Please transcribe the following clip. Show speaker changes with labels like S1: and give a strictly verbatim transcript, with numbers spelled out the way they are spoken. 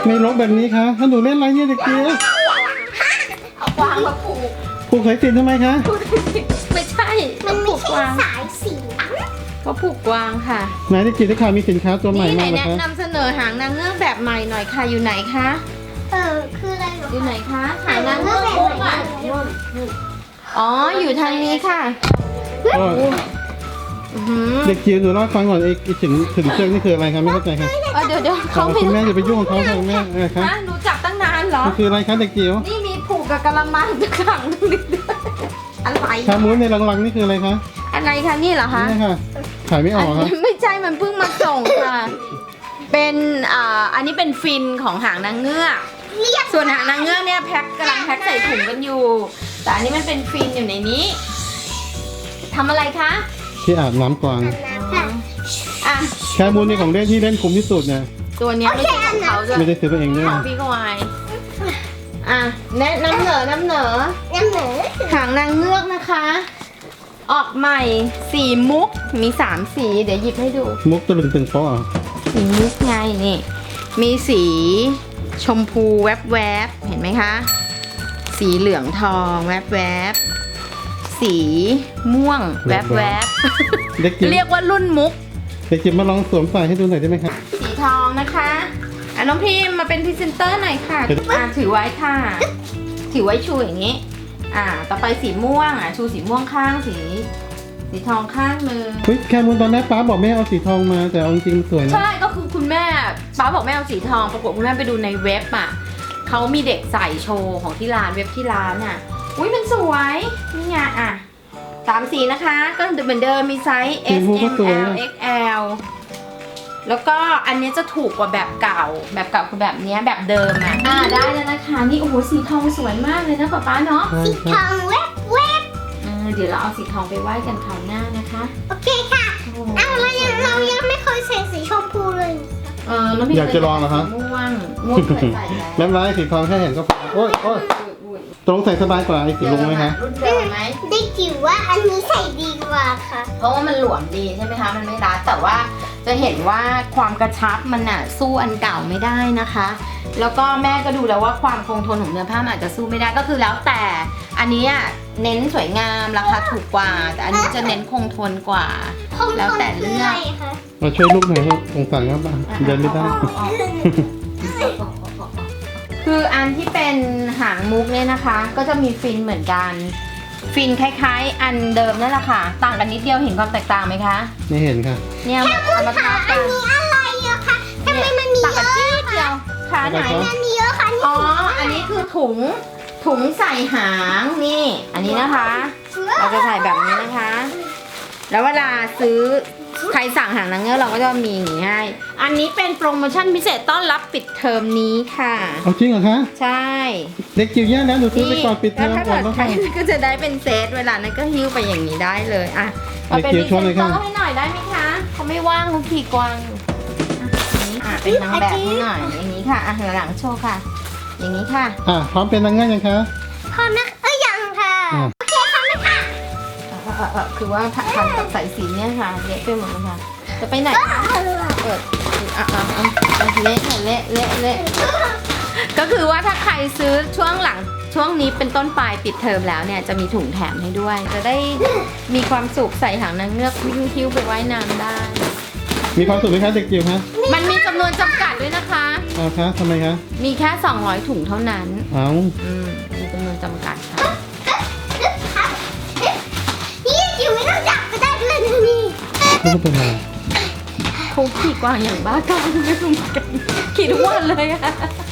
S1: ไม่ลกแบบนี้คะถ้าหนูเล่นอะไรเนี่ยเด็กเกียว
S2: เอากวางมาผูก
S1: ผูกสายสิญจน์ทำไมคะ
S2: ไม่ใช่
S3: มันไม่
S2: ผูก
S3: ใช่
S2: กวาง
S3: สายสิญจน์
S2: ก็ผูกกวางค่ะ
S1: ไหนเด็กเกียวได้ข่าวมีสินค้าตัวใหม่
S2: นี่ไหน
S1: มาเหรอ
S2: แนะครับ นำเสนอหางนางเงือกแบบใหม่หน่อยค่ะอยู่ไหนคะ
S3: เออคืออะไรเหรอ
S2: อยู่ไหนคะหางนางเงือกมุกอ่ะอ๋ออยู่ทางนี้ค่ะ
S1: ก็
S2: อื้อหือ
S1: เด็กเกียวหนูเล่าให้ฟังก่อนไอ้ไอ้ถึงถึงเชือกนี่คืออะไรคะไม่เข้าใจค่ะ
S2: เออเดี๋ยวเดี๋ยว
S1: อ๋
S2: เขา
S1: อ
S2: ไม่
S1: คุณแม่อย่าไปยุ่งกับเขาค่ะคุณแม่อะไรคะ
S2: ฮะหนูจับตั้งนานเหรอ
S1: มันคืออะไรคะเด็กเกียว
S2: นี่มีผูกกับกระมังจะขังตรงนี้ด้วยอะไร
S1: ชามูนในรังๆนี่คืออะไรคะ
S2: อะไรคะนี่เหรอคะ
S1: นี่ค่ะถ่ายไม่ออกครับ
S2: ไม่ใช่มันเพิ่งมาส่งค่ะ เป็นอ่าอันนี้เป็นฟินของหางนางเงือก ส่วนหางนางเงือกเนี่ยแพ็คกำลังแพ็คใส่ถุงกันอยู่ แต่อันนี้มันเป็นฟินอยู่ในนี้ทำอะไรคะ
S1: ที่อาบน้ำกวาง
S3: น้ำค่ะ
S2: อ่ะ
S1: ชามูนในของเล่นที่เล่นคุ้มที่สุดเนี่ย
S2: ตัวเนี้ยไม่ใช่ของเขาด้วย
S1: ไม่ได้ซื้อไปเองด้วย
S2: ของพี่กวายอ่ะแนะน้ำเหนอน้ำเหนอ
S3: น้ำเหนือ
S2: หางนางเงือกนะคะ ออกใหม่สีมุกมีสามสีเดี๋ยวหยิบให้ดู
S1: มุกตะลึงตึงโป๊ะอ่ะ
S2: สีมุกไงนี่ มีสีชมพูแวบแวบๆเห็นไหมคะ สีเหลืองทองแวบแวบๆสีม่วงแวบแวบ
S1: เด็ก
S2: ๆ
S1: เกียว
S2: เรียกว่ารุ่นมุก
S1: เด็กเกียวมาลองสวมใส่ให้ดูหน่อยได้ไหมคะ
S2: สีทองนะคะอ่ะน้องพิมมาเป็นพรีเซนเตอร์หน่อยค่ะอ่ะถือไว้ค่ะ ถือไว้ชูอย่างนี้ อ่า ต่อไปสีม่วงอ่ะชูสีม่วงข้างสี สีทองข้างหนึ่ง
S1: เฮ้ยแคมูนตอนแรกป้าบอกแม่เอาสีทองมาแต่เอาจริงๆมันสวยนะ
S2: ใช่ก็คือคุณแม่ป้าบอกแม่เอาสีทองปรากฏคุณแม่ไปดูในเว็บอ่ะเขามีเด็กใส่โชว์ของที่ร้านเว็บที่ร้านอ่ะอุ้ยมันสวยนี่ไงอ่ะสามสีนะคะ ก็เหมือนเดิมมีไซส์ S M L X L แล้วก็อันนี้จะถูกกว่าแบบเก่า แบบเก่าคือแบบเนี้ยแบบเดิมอ่ะอ่าได้แล้วนะคะนี่โอ้โหสีทองสวยมากเลยนะป๊าป๊าเนาะ
S1: ใช่
S3: สี
S1: ค
S3: ท
S1: รับ
S3: องแวบแวบ
S2: เออเดี๋ยวเราเอาสีทองไปไหว้กันคราวหน้านะคะ
S3: โอเคค่ะ
S2: โอ้โห
S3: เอาเรายังเรายังไม่เคยใส่สีชมพูเลย
S2: เออน้องพี่
S1: อยากจะลองเหรอคะ
S2: ม่วงม่วงเคยใส่แล้ว
S1: แม่ร้ายสีทองแค่เห็นก็พอโอ้ยโอ้ยตรงใส่สบายกว่าไอ้สีลุงไหมคะ
S2: รุ่นเดิมไหม
S3: ได้จิ๋วว่าอันนี้ใส่ดีกว่าค่ะ
S2: เพราะว่ามันหลวมดีใช่ไหมคะ มันไม่รัดแต่ว่าจะเห็นว่าความกระชับมันอ่ะสู้อันเก่าไม่ได้นะคะ แล้วก็แม่ก็ดูแล้วว่าความคงทนของเนื้อผ้ามันอาจจะสู้ไม่ได้ก็คือแล้วแต่ อันนี้อ่ะเน้นสวยงามราคาถูกกว่า แต่อันนี้จะเน้นคงทนกว่า
S3: คง
S2: แล้ว
S3: ทน
S2: แต่
S3: คือ
S2: เลื
S3: อะ
S2: อก
S3: ไรคะ
S1: มาช่วยลูกหน่อยลูกสงสารครับเดินไม่ได้
S2: คืออันที่เป็นหางมุกเนี่ยนะคะ ก็จะมีฟินเหมือนกัน ฟินคล้ายๆ อันเดิมนั่นแหละค่ะ ต่างกันนิดเดียวเห็นความแตกต่างไหมคะ
S1: ไม่เห็นค่ะ
S2: เนี่ยเอามา
S3: ค่ะ
S2: ทับ
S3: อั
S2: กัน น
S3: นี้อะไรอะคะทำไมมันมี
S2: ต่าง
S3: เย
S2: กัน
S3: อะ
S2: จี๊ดเดียวขาไหน
S3: มันมีเยอะค่ะนี่
S2: อ๋อ อันนี้คือถุง ถุงใส่หางนี่ อันนี้นะคะ เราจะใส่แบบนี้นะคะ แล้วเวลาซื้อใครสั่งหางนางเงือกเราก็จะมีอย่างนี้ให้ อันนี้เป็นโปรโมชั่นพิเศษต้อนรับปิดเทอมนี้ค่ะ
S1: เอาจริงเหรอคะ
S2: ใช่
S1: เด็กจิ๋วแย่แล้วหนูซื้อไปก่อนปิดเทอม
S2: แล้วถ้า
S1: ก่อ
S2: เกิ
S1: น
S2: ด
S1: แล้ว
S2: ใคร
S1: ค่ะ
S2: ก็จะได้เป็นเซตเวลานั้นก็หิ้วไปอย่างนี้ได้เลยอ่ะมาเป็น
S1: เด็
S2: พ
S1: กจิ๋
S2: รี
S1: ว
S2: เซ
S1: ชวน
S2: น
S1: เลย
S2: เตอ
S1: ค่ะ
S2: ร์ให้หน่อยได้ไหมคะเขาไม่ว่างเขาขี่กวางอยู่อ่ะอันนี้อ่ะเป็นนางแบบให้หน่อยอย่างนี้ค่ะอ่ะหลังโชว์ค่ะ อย่างนี้ค่ะ
S1: อ่ะพร้อมเป็นนางเงือกยังคะ
S3: พร้อมนะเอ้ยยังค่ะ
S1: อ่ะ
S3: โอเคพร้อมนะคะ
S2: เอ่อเอ่อเอ่อคือว่าพันกับสายสีเนี่ยค่ะเละไปหมดเลยค่ะ จะไปไหนคะเปิดอ่ะอ่ะอ่ะอ่ะเละค่ะเละเละเละก็คือว่าถ้าใครซื้อช่วงหลังช่วงนี้เป็นต้นปลายปิดเทอมแล้วเนี่ยจะมีถุงแถมให้ด้วย จะได้มีความสุขใส่หางนางเงือกวิ่งคิ้วไปไว้น้ำได้
S1: มีความสุขไหมคะเด็กจิ๋วคะ
S2: มันมีจำนวนจำกัดด้วยนะคะ
S1: เอาคะทำไมคะ
S2: มีแค่สองร้อยถุงเท่านั้น
S1: เอา
S2: อืมมีจำนวนจำกัดค่ะ
S3: นี่จิ๋วไม่ต้องจับก็ได้ด้วยนะนี่
S1: ไม่เป็นไร
S2: เขาขี่กวางอย่างบ้ากามไม่รู้เหมือนกันขี่ทุกวันเลยอะ